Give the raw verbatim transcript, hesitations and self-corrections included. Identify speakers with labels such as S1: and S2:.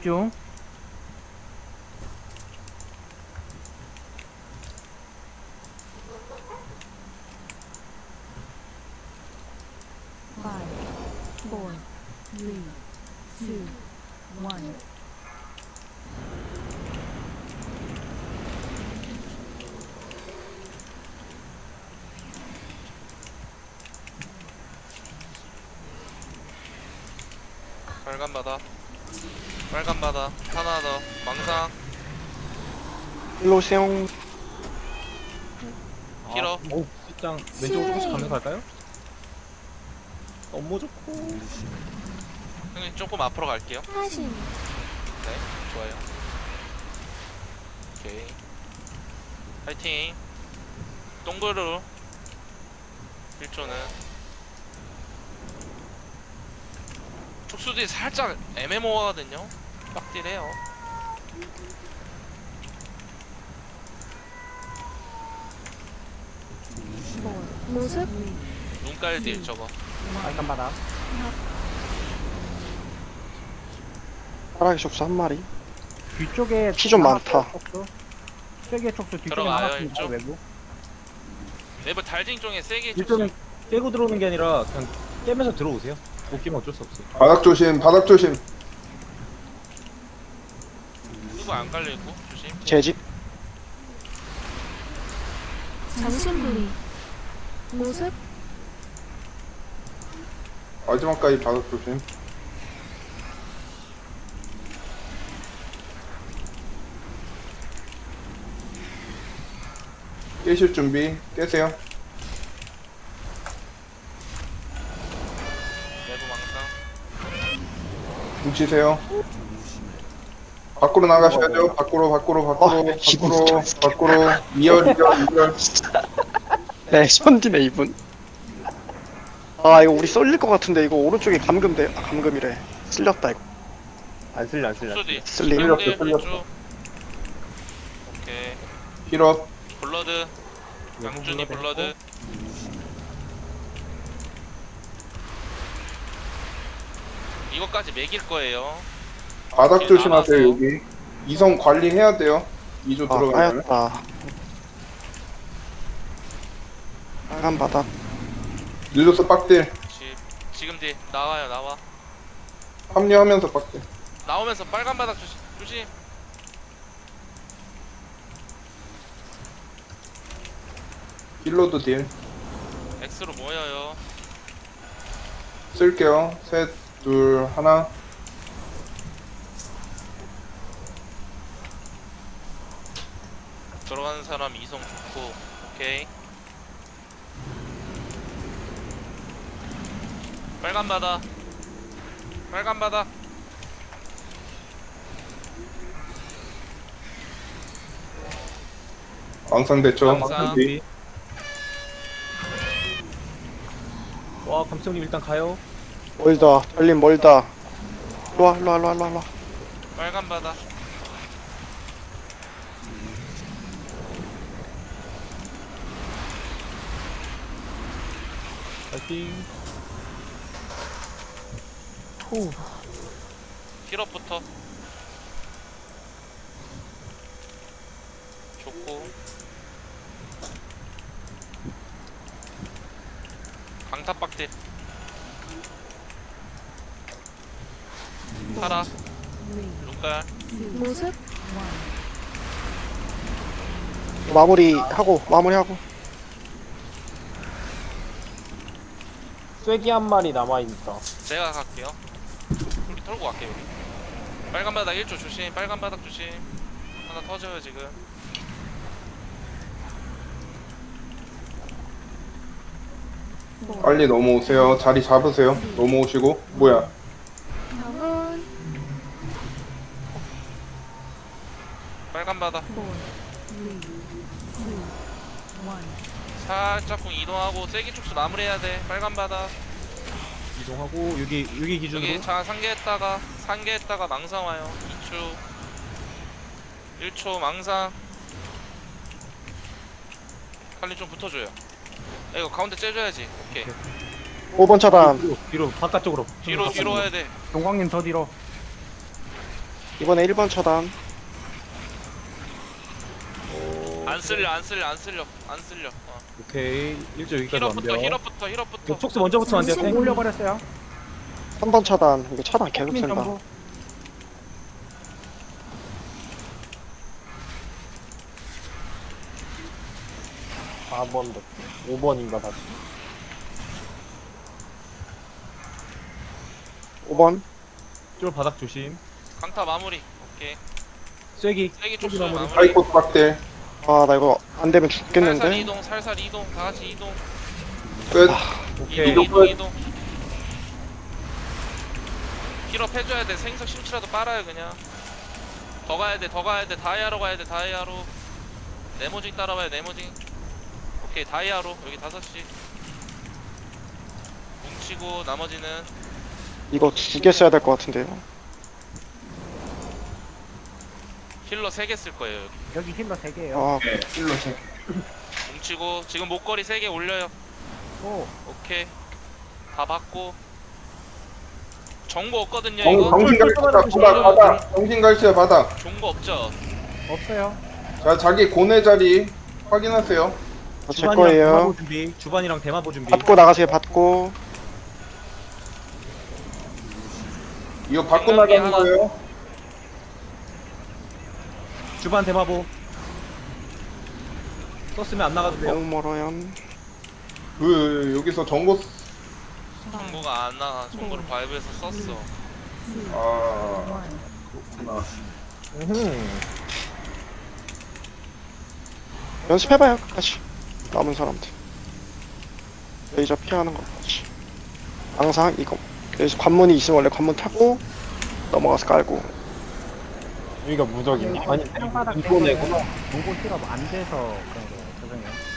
S1: 집중.
S2: five, four, three, two, one.
S3: 빨간 바다 빨간 바다 하나 더 망상
S4: 일로 오세요.
S3: 길어
S5: 오, 직장 왼쪽으로 조금씩 가면서 갈까요? 너무 좋고.
S3: 형님 조금 앞으로 갈게요.
S2: 하신.
S3: 네 좋아요. 오케이 파이팅. 동그루 일 초는 촉수들이 살짝 애매모호하거든요. 빡딜해요.
S2: four, 모습.
S3: 눈깔딜 저거
S1: 빨간 바닥.
S4: 파라기 촉수 한 마리.
S1: 뒤쪽에
S4: 피 좀 많다.
S1: 촉수. 세개 촉수 뒤쪽에
S3: 들어가요,
S1: 남았습니다.
S3: 일쪽.
S1: 외부.
S3: 네버 달징 쪽에 세게
S5: 일종은
S3: 촉수
S5: 깨고 들어오는 게 아니라 그냥 깨면서 들어오세요. 못 깨면 어쩔 수 없어요.
S6: 바닥 조심, 바닥 조심.
S3: 누구 안 깔려있고 조심.
S4: 제 집.
S2: 정신부리. 모습.
S6: 마지막까지 바닥 조심. 깨실 준비, 깨세요.
S3: 내부 망상
S6: 뭉치세요. 밖으로 나가셔야죠. 밖으로, 밖으로, 밖으로,
S4: 아, 기분
S6: 밖으로,
S4: 좋다.
S6: 밖으로. 이열, 이열, 이열.
S4: 네, 손디네 이분. 아 이거 우리 쏠릴 것 같은데 이거 오른쪽에 감금돼. 아, 감금이래. 쓸렸다 이거.
S5: 안 쓸려, 안 쓸려.
S3: 촉수디
S4: 슬림.
S3: 촉수들
S6: 틀렸어,
S3: 쭉. 오케이
S6: 힐업.
S3: 블러드 양준이 블러드 이거까지 매길 거예요.
S6: 바닥
S3: 이렇게
S6: 조심하세요,
S3: 나눠서.
S6: 여기. 이성 관리해야 돼요. 이 조
S4: 아
S6: 들어가면.
S4: 까였다. 빨간 바닥.
S6: 늦어서 빡딜.
S3: 지, 지금 뒤 나와요 나와
S6: 합류하면서 빡딜.
S3: 나오면서 빨간 바닥 조심 조심.
S6: 힐러도 딜.
S3: X로 모여요.
S6: 쓸게요. 셋, 둘, 하나.
S3: 들어가는 사람 이성 좋고 오케이. 빨간 바다 빨간 바다
S6: 왕상 됐죠?
S3: 왕상.
S6: 뒤.
S5: 와, 감성님 일단 가요.
S4: 멀다. 달림 멀다. 일로와 일로와 일로와 일로와.
S3: 빨간 바다
S5: 파이팅.
S4: 후.
S3: 힐업부터 좋고 강타박딜 파라 눈깔
S2: 모습.
S4: 마무리하고 마무리하고.
S5: 쐐기 한 마리 남아있다.
S3: 제가 갈게요. 우리 털고 갈게요. 여기. 빨간 바닥 일 초 조심. 빨간 바닥 조심. 하나 터져요 지금.
S6: 빨리 넘어오세요. 자리 잡으세요. 넘어오시고. 뭐야?
S2: 병은.
S3: 빨간 바닥
S2: four, three, two, one.
S3: 살짝쿵 이동하고 세기 축수 마무리해야 돼. 빨간 바닥
S5: 이동하고 여기 여기 기준으로
S3: 여기 자 상계했다가 상계했다가 망상 와요. 이 초 일 초 망상. 칼리 좀 붙어줘요. 야, 이거 가운데 째줘야지. 오케이.
S4: 오 번 차단.
S5: 뒤로, 뒤로 바깥쪽으로.
S3: 뒤로 뒤로 와야 돼.
S1: 동광님 더 뒤로.
S4: 이번에 일 번 차단.
S3: 안 쓸려 안 쓸려 안 쓸려 안 쓸려. 어.
S5: 오케이. 일 조 여기까지
S3: 힐업부터
S5: 완벽.
S3: 힐업부터 힐업부터.
S5: 이거 촉수 먼저 붙으면 안 돼요.
S2: 정신-
S5: 탱.
S1: 올려버렸어요.
S4: 삼 번 차단. 이거 차단 계속
S1: 민
S4: 쓴다.
S1: 정보.
S7: 사 번, 오 번인가 다시.
S4: 오 번.
S5: 쫄 바닥 조심.
S3: 강타 마무리. 오케이.
S5: 쐐기.
S3: 세기
S5: 쐐기
S3: 촉수
S5: 마무리.
S3: 마무리.
S6: 사이코스 빡대.
S4: 아, 나 이거 안 되면
S3: 살살
S4: 죽겠는데.
S3: 이동 살살 이동 다 같이 이동.
S6: 끝.
S5: 오케이.
S3: 이동 이동 이동. 힐업 해줘야 돼. 생석 심치라도 빨아요 그냥. 더 가야 돼 더 가야 돼 다이아로 가야 돼 다이아로. 네모징 따라와요 네모징. 오케이 다이아로 여기 다섯 시. 뭉치고 나머지는
S4: 이거 두 개 써야 될 것 같은데요.
S3: 힐러 세 개 쓸 거예요 여기.
S1: 여기 힐러 세 개예요.
S4: 아,
S6: 네, 일로 세.
S3: 뭉치고 지금 목걸이 세 개 올려요.
S1: 오,
S3: 오케이 다 받고. 정보 없거든요
S6: 정,
S3: 이거.
S6: 정신 갈치야 바닥 바닥. 정신 갈치야 바닥.
S3: 정보 없죠.
S1: 없어요.
S6: 자 자기 고뇌 자리 확인하세요.
S4: 어, 제
S5: 주반이랑
S4: 거예요.
S5: 대마보 준비. 주반이랑 대마보 준비.
S4: 받고 나가세요, 받고.
S6: 이거 받고
S3: 생각이
S6: 나가는
S3: 하나.
S6: 거예요.
S5: 주반 대마보. 썼으면 안 나가도 돼요.
S4: 너무 멀어요.
S6: 그 여기서 정보
S3: 정보가 안 나와. 정보를 바이브에서 썼어.
S6: 아 그렇구나.
S5: 음.
S4: 연습해봐요, 끝까지. 남은 사람들. 레이저 피하는 것까지. 항상 이거. 여기서 관문이 있으면 원래 관문 타고 넘어가서 깔고.
S7: 여기가 무적이네. 아니,
S1: 땅바닥
S7: 이번에구나.
S1: 공고 힐업 안 돼서 그런 거예요. 죄송해요.